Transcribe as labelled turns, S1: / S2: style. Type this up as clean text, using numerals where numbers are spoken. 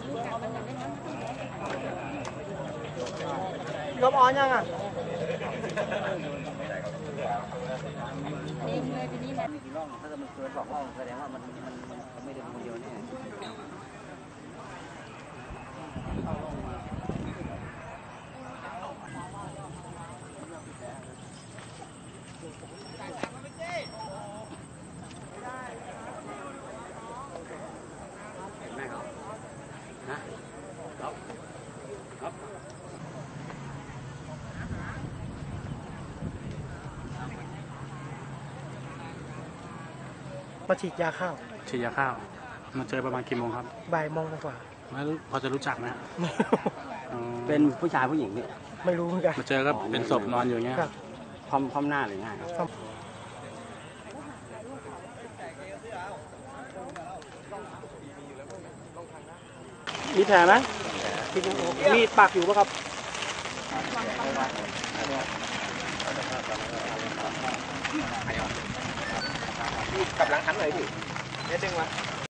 S1: ลบออนยังอ่ะ
S2: กี่ร่องถ้ามันเกิน2 ร่องแสดงว่ามันไม่ได้คนเดียวแน่เห็นไหมครับครับ
S1: มาฉีดยาข้าว
S3: ฉีดยาข้าวมาเจอประมาณกี่โมงครับ
S1: บ่ายโมงกว่า
S3: แล้วพอจะรู้จักไหมอ๋อ
S2: เป็นผู้ชายผู้หญิงเนี่ย
S1: ไม่รู้เหมือนกัน
S3: มาเจอก็เป็นศพนอนอยู่อย่างเงี้ย
S1: ครับ
S2: คว่ำหน้าหรือไงครับ
S1: มีแผลไหมมีดปักอยู่ปะครับกำลังหันเลยดิเด็ดดึงมา